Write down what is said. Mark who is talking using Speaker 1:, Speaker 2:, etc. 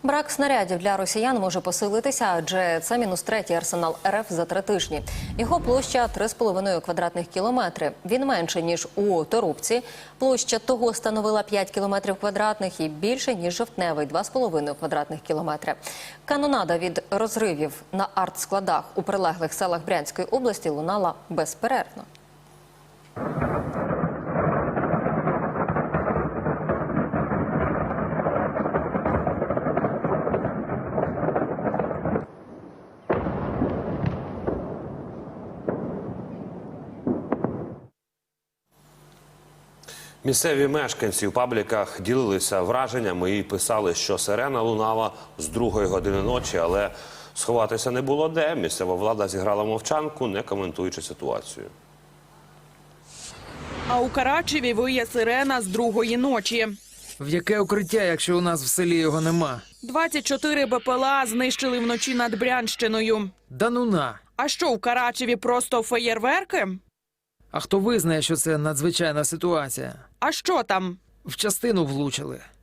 Speaker 1: Брак снарядів для росіян може посилитися, адже це мінус третій арсенал РФ за 3 тижні. Його площа 3,5 квадратних кілометри. Він менше, ніж у Торубці. Площа того становила 5 кілометрів квадратних і більше, ніж Жовтневий – 2,5 квадратних кілометри. Канонада від розривів на артскладах у прилеглих селах Брянської області лунала безперервно.
Speaker 2: Місцеві мешканці у пабліках ділилися враженнями і писали, що сирена лунала з 2-ї години ночі, але сховатися не було де. Місцева влада зіграла мовчанку, не коментуючи ситуацію.
Speaker 3: А у Карачеві виє сирена з 2-ї ночі.
Speaker 4: В яке укриття, якщо у нас в селі його нема?
Speaker 3: 24 БПЛА знищили вночі над Брянщиною.
Speaker 4: Да ну на!
Speaker 3: А що, у Карачеві просто феєрверки?
Speaker 4: А хто визнає, що це надзвичайна ситуація?
Speaker 3: А що там?
Speaker 4: В частину влучили.